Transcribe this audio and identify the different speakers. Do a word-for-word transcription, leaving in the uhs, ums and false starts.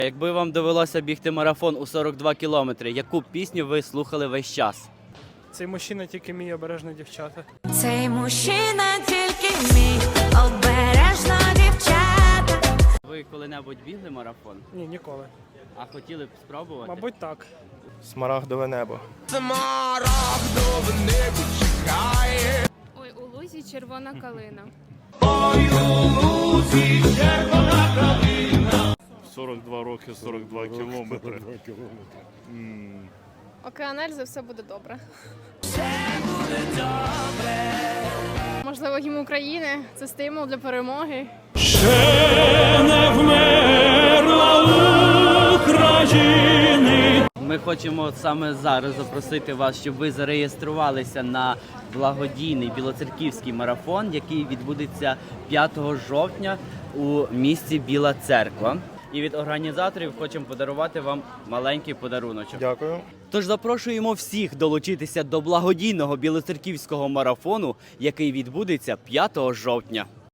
Speaker 1: Якби вам довелося бігти марафон у сорок два кілометри, яку пісню ви слухали весь час?
Speaker 2: Цей мужчина тільки мій, обережно дівчата.
Speaker 3: Цей мужчина тільки мій, обережно дівчата.
Speaker 1: Ви коли-небудь бігли марафон?
Speaker 2: Ні, ніколи.
Speaker 1: А хотіли б спробувати?
Speaker 2: Мабуть, так.
Speaker 4: Смарагдове небо.
Speaker 5: Ой, у лузі червона калина.
Speaker 6: сорок два роки, сорок два кілометри.
Speaker 5: Океан Ельзи, все буде добре. Можливо, гімн України – це стимул для перемоги.
Speaker 1: Ми хочемо саме зараз запросити вас, щоб ви зареєструвалися на благодійний білоцерківський марафон, який відбудеться п'ятого жовтня у місті Біла Церква. І від організаторів хочемо подарувати вам маленький подаруночок.
Speaker 4: Дякую.
Speaker 1: Тож запрошуємо всіх долучитися до благодійного білоцерківського марафону, який відбудеться п'ятого жовтня.